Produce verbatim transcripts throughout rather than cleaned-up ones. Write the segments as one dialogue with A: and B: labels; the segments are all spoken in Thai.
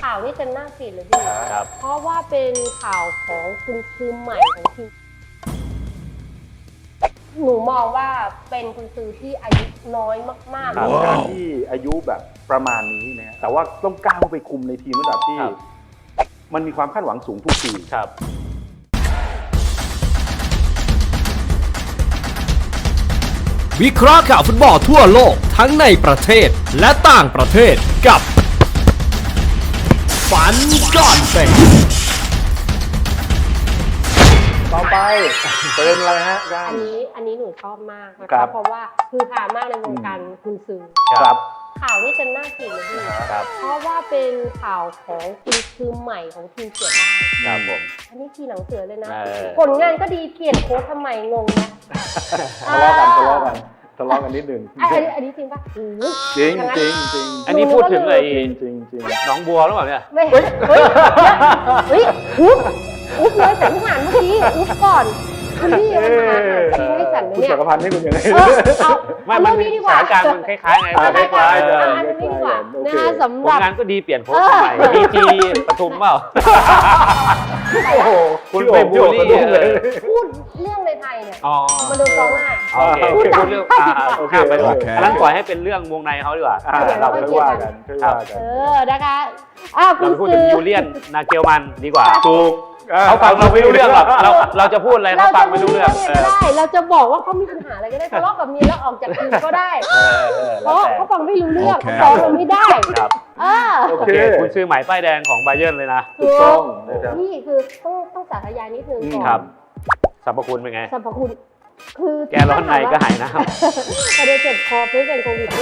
A: าวนี่จะน่าปิดเลยพี่เพราะว่าเป็นข่าวของคุณซื้อใหม่ของทีมหนูมองว่าเป็นคุณซื้อที่อายุน้อยมากๆ
B: การที่อายุแบบประมาณนี้นะแต่ว่าต้องก้าวไปคุมในทีมระดับที่มันมีความคาดหวังสูงทุกปี
C: ครับ
D: วิเคราะห์ข่าวฟุตบอลทั่วโลกทั้งในประเทศและต่างประเทศกับฝันก่อนเป็น
B: ต่อไปเป็นอะไรฮะก้า
A: อันนี้อันนี้หนูชอบมากนะคะเพราะว่าคือหามากในวงการคุณซื้อ
B: ครับ
A: ข่าวนี้จะน่ากินเลยพี่เพราะว่าเป็นข่าวของคุณซื้อใหม่ของทีมเสือได้
C: ครับผม
A: อันนี้ทีหลังเสือเลยนะผลงานก็ดีเปลี่ยนโค้ชทำไมงงนะ
B: ทะเลาะกันทะเลาะกันทะเลาะกันนิดนึง
A: อันนี้อันนี้จริงปะ
B: จริงจริงจริง
C: อันนี้พูดถึงไอ้
B: จริงจริง
C: น้องบัวหรือเปล่าเนี่ย
A: ไม่เฮ้ยเฮ้ยเฮ้ยอุ๊บอุ๊บเลยแต่ทหารเมื่อกี้อุ๊บก่อนคุณพี่ยังมาทิ้งให้ฉันเลยเนี่ย
B: คุณจักรพันธ์ให้คุณยังไง
A: เอา
C: ไม่มันมีสถานการณ์มันคล้ายๆไง
A: คล้ายๆอันนี้ดีกว่านะคะสำหรับ
C: งานก็ดีเปลี่ยนโพสต์ใหม่ดีจีปทุมเปล่า
B: โอ้โห
C: คุณไปบูลลี่
A: พูดเรื่องในไทยเนี่ยมาดูกองหน้า
C: โอเคพูดเรื่องโอเคไปด้วยอันนั้นปล่อยให้เป็นเรื่องวงในเขาดีกว่า
B: เราไม่ว่ากัน
A: เออนะคะ
C: เราพูดถึงยูเลียนนาเกลมันดีกว่า
B: ถูก
C: เขาฟังเราไม่รู้เรื่องหรอกเราเราจะพูดอะไรเขาฟังไม่รู้เรื่อง
A: ก็ได้เราจะบอกว่าเขามีปัญหาอะไรก็ได้ทะเลาะกับเมียแล้วออกจากทีมก็ได้เพราะเขาฟังไม่รู้เรื่องเขาฟ้องเราไม่ได้
C: ครับโอเคคุณซื้อหมายป้ายแดงของไบเยิร์นเลยนะ
A: ถูกต้องนี่คือต้องต้องสาธยายนิดนึงก่อน
C: ครับสรรพคุณเป็นไง
A: สรรพคุณคือ
C: แกร้อนในก็หายน้
A: ำประเดี๋ยวเจ็บคอเพื่อเป็นโควิด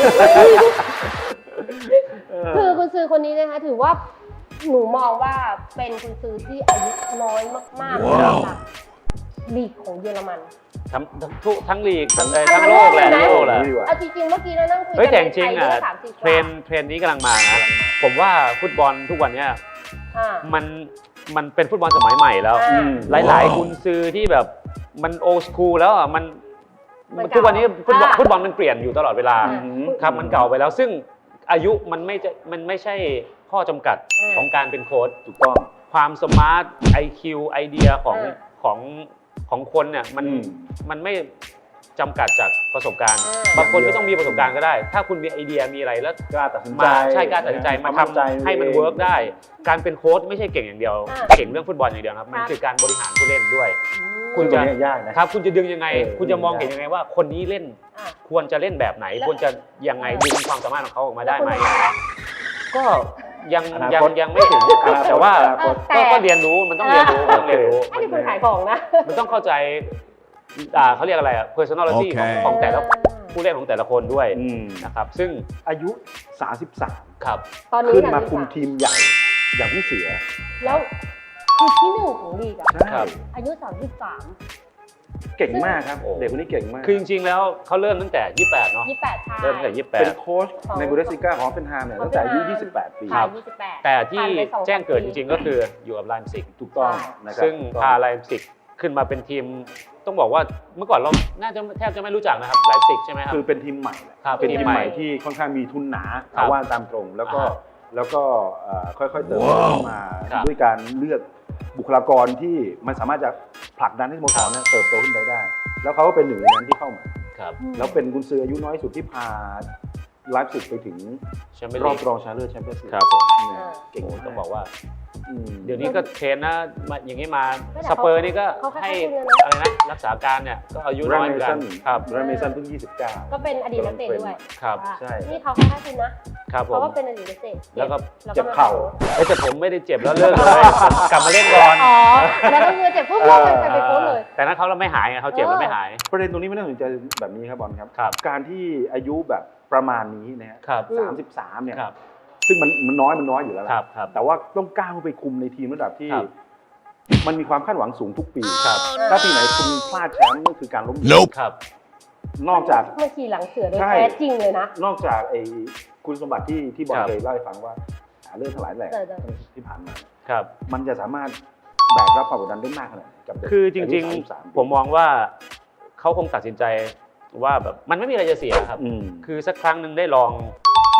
A: คือคุณซื้อคนนี้นะคะถือว่าหนูมองว่าเป็นคุณซื้อที่อายุน้อยมากๆสำหรับลีกของเยอรมัน
C: ทั้งทั้งทั้งลีกทั้งทั้งโลกแหละโลกแหละ
A: เอาจริงๆเมื่อกี้เรานั่งคุย
C: กันแต่จริงอ่ะเทรนเทรนนี้กำลังมานะผมว่าฟุตบอลทุกวันนี้มันมันเป็นฟุตบอลสมัยใหม่แล้วหลายๆกุนซือที่แบบมันโอสคูลแล้วอ่ะมันทุกวันนี้ฟุตบอลฟุตบอลมันเปลี่ยนอยู่ตลอดเวลาครับมันเก่าไปแล้วซึ่งอายุมันไม่จะมันไม่ใช่ข้อจำกัดของการเป็นโค้ช
B: ถูกต้อง
C: ความสมาร์ท ไอ คิว ไอเดียของของของคนเนี่ยมันมันไม่จำกัดจากประสบการณ์บางคนไม่ต้องมีประสบการณ์ก็ได้ถ้าคุณมีไอเดียมีอะไรแล้ว
B: กล้าตัดสินใจ
C: มาใช่กล้าตัดสินใจมาทำให้มันเวิร์กได้การเป็นโค้ชไม่ใช่เก่งอย่างเดียวเก่งเรื่องฟุตบอลอย่างเดียวครับมันคือการบริหารผู้เล่นด้วย
B: คุณจะยากนะครับ
C: คุณจะดึงยังไงคุณจะมองเห็นยังไงว่าคนนี้เล่นควรจะเล่นแบบไหนควรจะยังไงดึงความสามารถของเขาออกมาได้ไหมก็ยังยังยังไม่ถึงแต่ว่าก็เรียนรู้มันต้องเรียนรู้ต้องเรียนรู้
A: ไม่ใช่คนขายของนะ
C: มันต้องเข้าใจอ่าเขาเรียกอะไรอ่ะ personality ของของแต่ละผู้เล่นของแต่ละคนด้วยนะครับซึ่ง
B: อายุสามสิบสาม
C: ครับ
B: ขึ้นมาคุมทีมใหญ่อย่างพี่เสือ
A: แล้วคือที่หนึ่งของลีกอ่ะอายุสามสิบสาม
B: เก่งมากครับเด็กคนนี้เก่งมาก
C: คือจริงๆแล้วเขาเริ่มตั้งแต่ยี่สิบแปดเนาะ
A: ยี่สิบแปดใช่
C: เริ่มตั้งแต่ยี่สิบแปด
B: เป็นโค้ชในบูเดสลิก้าของเฟนไฮม์เนี่ยตั้งแต่อายุยี่สิบแปดปี
C: ครับแต่ที่แจ้งเกิดจริงๆก็คืออยู่กับไลป์ซิก
B: ถูกต้องนะครับ
C: ซึ่งพาไลป์ซิกขึ้นมาเป็นทีมต้องบอกว่าเมื่อก่อนเราน่าจะแทบจะไม่รู้จักนะครับไลป์ซิกใช่ไหมครับ
B: คือเป็นทีมใหม่
C: เป็น
B: ทีมใหม่ที่ค่อนข้างมีทุนหนาเอาว่าตามตรงแล้วก็แล้วก็ค่อยๆเติบโตขึ้นมาด้วยการเลือกบุคลากรที่มันสามารถจะผลักดันให้สโมสรเติบโตขึ้นไปได้แล้วเขาก็เป็นหนึ่งในนั้นที่เข้ามาแล้วเป็นกุนซืออายุน้อยสุดที่พาไลฟ์ซิกไปถึงรอบรองชนะเลิศแชมเปี้ยนส์ลีก
C: ครับผม
B: เก่ง
C: ต้องบอกว่าเดี๋ยวนี้ก็เทรนนะอย่างนี้มาสเปอร์นี่ก็ให้อะไรนะรักษาการเนี่ยก็อายุน้อยเหมือนกันครับ
B: แรมเมสันเพิ่งยี่สิบเก้า
A: ก็เป็นอดีตนักเตะด้วย
C: ครับ
B: ใช่
A: นี่เขาแค่คุณนะครับเพราะว่าเป็นอดีตนักเตะ
C: แล้วก็
B: เจ็บเข่า
C: แต่ผมไม่ได้เจ็บแล้วเลิกเลยกลับมาเล่นก่อน
A: อ๋อแล้วก็คือเจ็บปุ๊บเลิกไปไปโค้ชเลย
C: แต่นั้นเขาเราไม่หายไงเขาเจ็บแล้วไม่หาย
B: ประเด็นตรงนี้ไม่น่าสนใจแบบนี้ครับบอลครับการที่อายุแบบประมาณนี้นะครับสามสิบสามเนี่ยซึ่งมันมันน้อยมันน้อยอยู่แล้วแหละแต่ว่าต้องก้าวไปคุมในทีมระดับที่มันมีความคาดหวังสูงทุกปีถ้าปีไหนคุณพลาดแชมป์นั่นคือการล้มเหลวนอกจาก
A: เมื่อกี้หลังเสือโดยแท้จริงเลยนะ
B: นอกจากไอ้คุณสมบัติที่ที่บอลเคยเล่าให้ฟังว่าเรื่องทั้งหลายแหล่ที่ผ่านมามันจะสามารถแบกรับความกดดันได้มากขนาดกับ
C: คือจริงๆผมมองว่าเขาคงตัดสินใจว่าแบบมันไม่มีอะไรจะเสียครับคือสักครั้งหนึ่งได้ลอง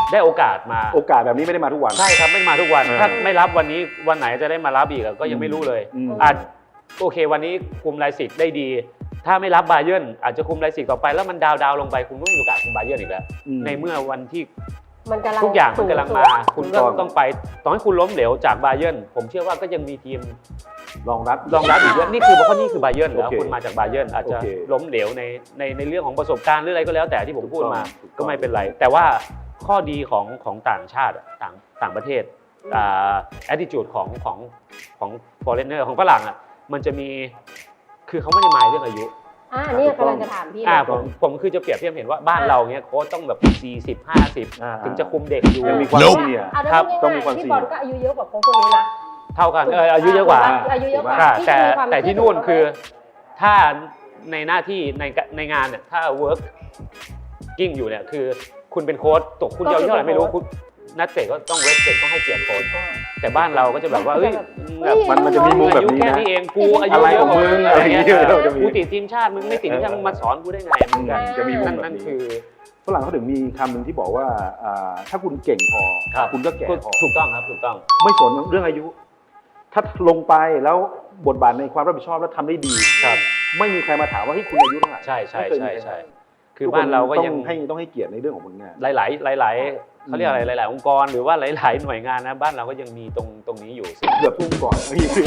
C: ได้โอกาสมา
B: โอกาสแบบนี้ไม่ได้มาทุกวัน
C: ใช่ครับไม่มาทุกวัน
B: เออ
C: ถ้าไม่รับวันนี้วันไหนจะได้มารับอีกอะก็ยังไม่รู้เลย
B: อืม
C: อาจโอเควันนี้คุมไลซิกได้ดี ถ้าไม่รับบาเยิร์นอาจจะคุมไลซิกต่อไปแล้วมันดาวดาวลงไปคุณก็ไม่มีโอกาสคุมบาเยิร์นอีกแล้ว
B: อืม
C: ในเมื่อวันที่
A: มันกำลัง
C: ทุกอย่างมันกำลังมา
A: สู
C: คุณ
A: ง
C: ก็
A: สุด
C: ต้องไปต่อให้คุณล้มเหลวจากบาเยิร์นผมเชื่อว่าก็ยังมีทีม
B: รองรับ
C: รองรับอีกเยอะนี่คือเพราะนี่คือบาเยิร์นแล้ว
B: โอเค
C: คุณมาจากบาเยิร์นอาจจะ
B: โอเค
C: ล้มเหลวในในในเรื่องของประสบการณ์หรืออะไรก็แล้วแต่ที่ผมพูดมา
B: ถูกต้อง
C: ก็ไม่เป็นไร แต่ว่าข้อดีของของต่างชาติอะต่างต่างประเทศอ่า attitude ของของของ foreigner ของฝรั่งอ่ะมันจะมีคือเขาไม่ได้หมายเรื่องอายุ
A: อ่านี่กำลังจะถามพี่
C: อ่า
A: เลย
C: ผมผมคือจะเปรียบเทียบเห็นว่าบ้านเราเนี้ยโค้ชต้องแบบสี่สิบ ห้าสิบ
B: อ่า
C: ถึงจะคุมเด็กอยู่
B: ยังมีความ
A: เออ
B: ซีเนียร์
A: เอาได้
C: ครับ
A: ง่ายๆ
B: ต้องมีความ
A: พี่
B: ซี
A: บอล
B: เนียร์
A: ก็อายุเยอะกว่าคนคนนี้นะ
C: เท่ากันเอออายุเยอะกว่า
A: อายุเยอะกว่า
C: ใช่
A: ที่
C: แต่
A: จะมีความ
C: แต่ที่
A: เชื่อ
C: นู่น
A: ถื
C: คือถ้าในหน้าที่ในในงานเนี่ยถ้า work กิ้งอยู่เนี่ยคือคุณเป็นโค้ชตกคุณจะเอาเท่าไหร่ไม่รู้คุณนักเตะก็ต้อง respect ต้องให้เกียรติโค้ชแต่บ้านเราก็จะแบบว่าเอ้ยแบบ
B: มันมันจะมีมุม
C: อา
B: แบบ
C: ยุ
B: นี้
C: แค่
B: นะ
C: นี้เองกูอายุ
B: อะไร
C: เย
B: ข
C: อะ
B: อง
C: กว่า
B: มึง
C: อะ
B: อะไร ไร
C: เงี้
B: เงี้
C: ย
B: ยเราจะมี
C: กูติดทีมชาติมึงไม่ติดทีมชาติมึงมาสอนกูได้ไงเหมือนกัน
B: จะมีมุม
C: นั่น
B: แบบ
C: นั่น
B: นี้
C: คือ
B: ฝรั่งเขาถึงมีคำหนึ่งที่บอกว่าอ่าถ้าคุณเก่งพอ
C: ครับ
B: คุณก็แก่พอ
C: ถูกต้องครับถูกต้อง
B: ไม่สนเรื่องอายุ ถ้าลงไปแล้วบทบาทในความรับผิดชอบแล้วทำได้ดี
C: ครับ
B: ไม่มีใครมาถามว่าที่คุณอายุเท่าไหร่
C: ใช่ใช่
B: ไม่เคย
C: ใช่
B: มี
C: ใช่
B: ร
C: คือบ้านเราก็ยัง
B: ต้องให้ต้องให้เกียรติในเรื่องของผลงาน
C: หลาย ๆ หลาย ๆเขาเรียกอะไรหลาย ๆ องค์กรหรือว่าหลาย ๆ หน่วยงานนะบ้านเราก็ยังมีตรงตรงนี้อยู่
B: เกือบทุ่มก่อน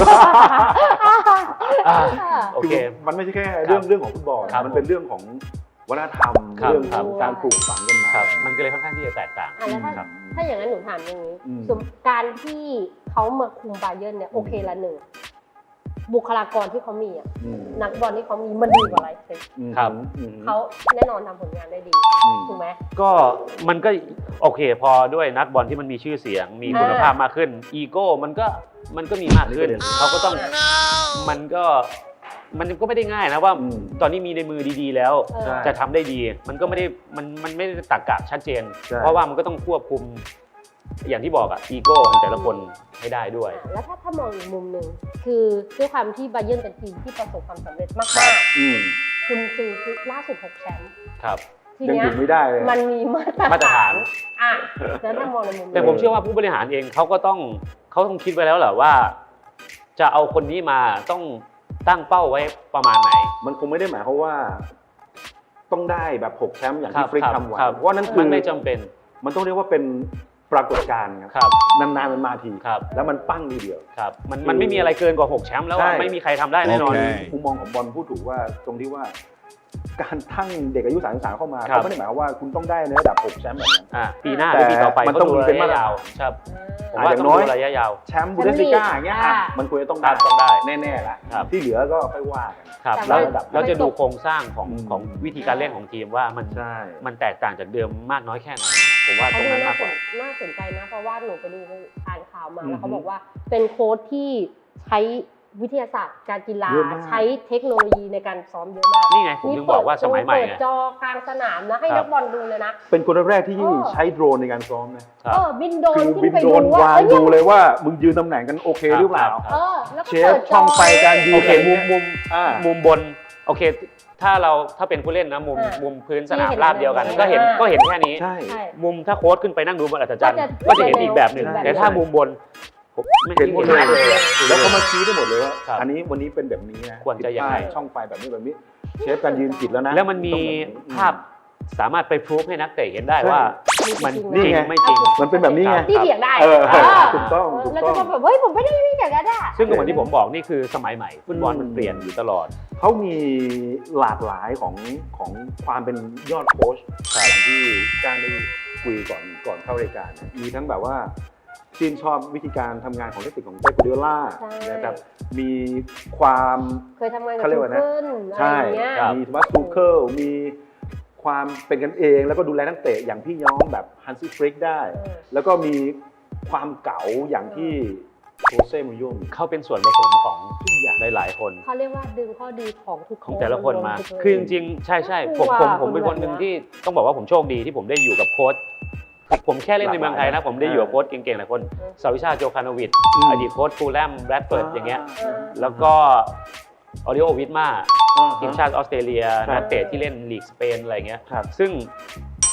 C: อ่าโอเค
B: คือมันไม่ใช่แค่เรื่องเรื่องของฟุตบอล
C: ครับ
B: มันเป็นเรื่องของวัฒนธรรม
C: ครับ
B: เรื่อง
C: ครั
B: ข
C: บ
B: องการปลูกฝังกันมา
C: ครับมันก็เลยค่อนข้างที่จะแตกต่าง
A: อ่ะแล้วถ้า
C: ครับ
A: ถ้าอย่างนั้นหนูถามอย่างนี้
B: อืม
A: สมการที่เขามาคุมบาเยิร์นเนี่ยโอเคละหนึ่งบุคลากรที่เขามีอ่ะ
B: อืม
A: นักบอลที่เขามีมันดีกว่าไรเซ็
B: อืม
C: ครับ
B: อืม
A: เขาแน่นอนทำผลงานได้ดี
B: อืม
A: ถูกไหม
C: ก็มันก็โอเคพอด้วยนักบอลที่มันมีชื่อเสียง มีคุณภาพมากขึ้นอีโก้มันก็มันก็มีมากขึ้น
B: อันนี้ประเด็น
C: เขาก็ต้องมันก็มันก็ไม่ได้ง่ายนะว่า
B: อืม
C: ตอนนี้มีในมือดีๆแล้ว
A: เออ
B: ใช่
C: จะทำได้ดี มันก็ไม่ได้มันมันไม่ได้ตรรกะชัดเจน
B: ใช่
C: เพราะว่ามันก็ต้องควบคุมอย่างที่บอกอะอีโก้ของแต่ละคนให้ได้ด้วย
A: อ่ะแล้วถ้าถ้ามองอีกมุมหนึ่งคือด้วยความที่บาเยิร์นเป็นทีมที่ประสบความสำเร็จมาก
B: อืม
A: ๆคุณซื้อคือล่าสุดหกแชมป์
C: ครับ
A: ที
B: ยัง
A: เนี้ย
B: ถึงไม่ได้เลย
A: มันมีมาตร
C: มาตรฐาน
A: อ่ะแล้วถ้ามองในมุม
C: แต่ผมเชื่อว่าผู้บริหารเองเขาก็ต้องเขาต้องคิดไว้แล้วแหละว่า จะเอาคนนี้มาต้องตั้งเป้าไว้ประมาณไหน
B: มันคงไม่ได้หมายความว่า ต้องได้แบบหกแชมป์อย่าง
C: ครั
B: ที่
C: บ
B: ฟริก
C: ครับ
B: ทำไว้
C: ครับ
B: เพราะว่านั่นคื
C: มัน
B: อ
C: ไม่จำเป็น
B: มันต้องเรียกว่าเป็นปรากฏการณ์
C: ค
B: ครับ
C: รับ
B: นานๆมันมาที
C: ครับ
B: แล้วมันปั้งทีเดียว
C: ครับมันมันไม่มีอะไรเกินกว่าหกแชมป์แล้วอะ
B: ใช่
C: ไม่มีใครทำได้แน่นอน
D: โอเค
B: มุมมองของบอลพูดถูกว่าตรงที่ว่า การทั้งเด็กอายุสามสิบสามเข้ามา
C: ครับ
B: เขาไม่ได้หมายความว่าคุณต้องได้ในระดับหกแชมป์แบบนั้น
C: อ่ะปีหน้าห
B: แต่
C: รือปีต่อไป
B: มันต้อง
C: ขาดู
B: มีเป็น
C: ระยะยาว
B: มาตรฐาน
C: ครับผม
B: อ่ะ
C: ว่า
B: อย่า
C: ต้อง
B: งน้อย
C: ดูระยะยาว
B: แชมป์บูเดสลิก้าอย่างเงี้ยอ่ะ
A: อ่า
B: มันควรจะต้อง
C: ครั
B: ได้
C: บต้องได้
B: แน่ๆละ
C: ครับ
B: ที่เหลือก็ค่อยว่ากัน
C: ครับ
A: แต่
C: แล้ว
A: ว่า
C: เราจะดูโครงสร้างของ
B: อืม
C: ของวิธีการเล่นของทีมว่ามัน
B: ใช่
C: มันแตกต่างจากเดิมมากน้อยแค่ไหนผมว่าต
A: เขา
C: รง
A: ดู
C: นั้น
A: น่าม
C: าก
A: ส
C: กว่าน
A: น่าสนใจนะ เพราะว่าหนูไปดูอ่านข่าวมา
B: อือฮึ
A: แล้วเขาบอกว่าเป็นโค้ชที่ใช้วิทยาศาสตร์การกีฬา
B: เยอะมาก
A: ใช้เทคโนโลยีในการซ้อมเยอะมาก
C: นี่ไงผมถึงบอกว่าสมัยใหม่
A: เปิด
C: ไง
A: จอกลางสนามนะให้
C: ครั
A: นั
C: บ
A: กบอลดูเลยนะ
B: เป็นคนแรกๆที่
A: เออ
B: ใช้โดรนในการซ้อมนะ
C: ครับ
A: เออบินโดรน
B: คือ
A: ขึ้
B: บิ
A: น
B: น
A: ไป
B: โดร
A: ดู
B: น
A: ว่าว
B: าง
A: เอ้ย
B: ดูเลยว่ามึงยืนตำแหน่งกันโอเคหรือเปล่า
C: ครับ
A: เออแล้วก็
B: เชฟ
A: เปิดจ
B: ช่องไฟการยืน
C: โอเคมุมมุม
B: อ่า
C: มุมบนโอเค ถ้าเราถ้าเป็นผู้เล่นนะมุม
A: อ่ามุ
C: มุมพื้นสนาม
A: ที่เห็น
C: ราบเดียวกัน
A: แบบนี้
C: ก็เห็น
A: อ่า
C: ก็เห็นแค่นี้
B: ใช่
A: ใช่
C: มุมถ้าโค้ชขึ้นไปนั่งดูบนอัศจรรย์
A: ก็จะ
C: ก็จะเห็นอีกแบบหนึ่ง
A: แบบนี้
C: แต่ถ้ามุมบนผมไม่
B: เห็นหมดเลย
C: เลย
B: แล้วเขามาชี้ได้หมดเลยว่า
C: ครับ
B: อันนี้วันนี้เป็นแบบนี้นะ
C: ควรจะยังไง
B: ผิดพลาดช่องไฟแบบนี้แบบนี้ เชฟการยืนผิดแล้วนะ
C: แล้วมันมี
B: ต้องแบบนี้
C: ภาพสามารถไปพรูฟให้นักเตะเห็นได้ว่า มัน
B: นี่
C: จริง
B: ไง
C: ไม่จริง
B: มันเป็นแบบนี้ไง
A: ที่เถียงได้
B: เออ
A: เออ
B: ถูกต้อง
A: เออ
B: ถูก
A: แล้ว
B: ต้
A: ก็
B: อง
A: แบบเฮ้ยผมไม่ได้ไม่อย่างนั้นอ่ะ
C: ซึ่งก็เหมือนที่ผมบอกนี่คือสมัยใหม่ฟุตบอลมัน
B: อืม
C: เปลี่ยนอยู่ตลอด
B: เขามีหลากหลายของของความเป็นยอดโค้ชอย่างที่การได้คุยก่อนก่อนเข้ารายการเนี่ยมีทั้งแบบว่าชื่นชอบวิธีการทำงานของเทคนิคของเป๊ป กัวร์ดิโอล่า
A: ใช่
B: นะครับมีความ
A: เคยทำงานกับ
B: เขาเรียก
A: ทู
B: ว่านะ
A: เคิลอะไร
B: ใช่
A: อย่างเงี้ย
C: ครับ
B: มีทมัสทูเคิลมีความเป็นกันเอง แล้วก็ดูแลนักเตะอย่างพี่น้องแบบฮันซี่ฟริกได้
A: เออ
B: แล้วก็มีความเก๋าอย่างที่โรเซ่มูรินโญ่มี
C: เขาเป็นส่วนผสมของ
B: ทุกอย่าง
C: หลายๆคน
A: เขาเรียกว่าดึงข้อดีของทุก
C: ของแต่ละคนมา
A: รวทุก
C: คือจริงๆ ใช่ใช่ผมผมผมเป็นคนหนึ่งที่ต้องบอกว่าผมโชคดีที่ผมได้อยู่กับโค้ช ผมแค่เล่นในเมืองไทยนะ ผมได้อยู่กับโค้ชเก่งๆหลายคนสาวิชาโจคานโวิช
B: อืม
C: อดีตโค้ชฟูลแลมแบรดเฟิร์ดอย่างเงี้ย
A: เออ
C: แล้วก็ออริโอวิทมา
B: อ่าฮะ
C: ทีมชาติออสเตรเลีย
B: ครับ
C: นักเตะที่เล่นลีกสเปนอะไรเงี้ย
B: ครับ
C: ซึ่งค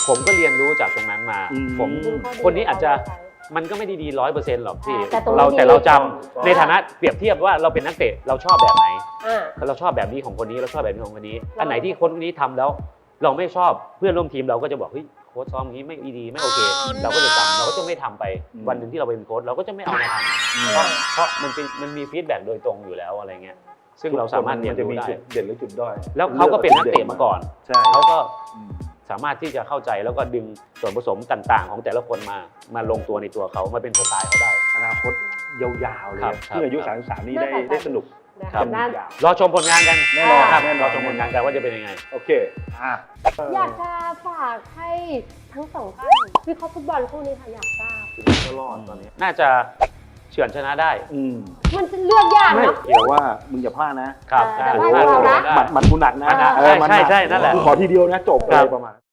C: ผมก็เรียนรู้จากตรงนั้นมา
B: อืม
C: ผม
A: ดูข้อดี
C: คนนี้อาจจะ
A: ข้ใช้
C: มันก็ไม่ได้ดีร้อยเปอร์เซ็นต์หรอกพี่
A: แต่ตรงนี้
C: เรา
A: ดี
C: แต่เราจำ
B: ถูกต้อง
C: ในฐานะเปรียบเทียบว่าเราเป็นนักเตะเราชอบแบบไหน
A: อ่า
C: เราชอบแบบนี้ของคนนี้เราชอบแบบนี้ของคนนี้
A: เรา
C: อันไหนที่คนนี้ทำแล้ว เราไม่ชอบเพื่อนร่วมทีมเราก็จะบอกเฮ้ยโค้ชซ้อมอย่างนี้ไม่ดีไม่โอเค เราก็จะจำเราก็จะไม่ทำไป
B: อืม
C: วันหนึ่งที่เราเป็นโค้ชเราก็จะไม่เอามาทำ
B: อืม
C: เพราะเพราะมันเป็นมันมีฟีดแบ็กโดยตรงอยู่แล้วอะไรเงี้ยซึ่งเราสามารถเรียน
B: จะ
C: รู้
B: มี
C: ได้
B: จุดเด่นหรือจุดด้อย
C: แล้วเขาก็เป็นนักเตะมาก่อน
B: ใช่
C: เขาก็
B: อืม
C: สามารถที่จะเข้าใจแล้วก็ดึงส่วนผสมต่างๆ ของแต่ละคนมามาลงตัวในตัวเขามาเป็นสไตล์เขาได้
B: อนาคตยาวๆเลย
C: ครับ
B: เพื่ออายุ
C: ครับ
B: สามสิบสามนี่
A: น่า
B: ได้
A: สนใจ
B: ได้สนุก
A: นะ
C: ครั
A: คะ
C: บ
A: น่า
B: ยาว
C: รอชมผลงานกัน
B: แน่นอน
C: ครับ
B: แน่นอน
C: รอชมผลงานกันว่าจะเป็นยังไง
B: โอเคอ่ะ
A: อยากจะฝากให้ทั้งสองท่านวิเคราะห์ฟุตบอลคู่นี้ค่ะอยากทราบ
B: ก็รอดตอนนี้
C: น่าจะเฉือนชนะได้
B: อืม
A: มันจะเลือกยาก
B: ไม่
A: เนาะ
B: เดี๋ยวว่ามึงอย่าพลาดนะ
C: ครับ
A: แต่
C: ได้
A: ว่าเรานะ
C: ได้
B: หมัดหมัดกูหนักนะ
C: อ่า
B: เออ
C: ใช่ใช่ใช่นั่นแหละ
B: กูขอทีเดียวนะจบเล
C: ครั
B: ย
C: บ
B: ประมาณ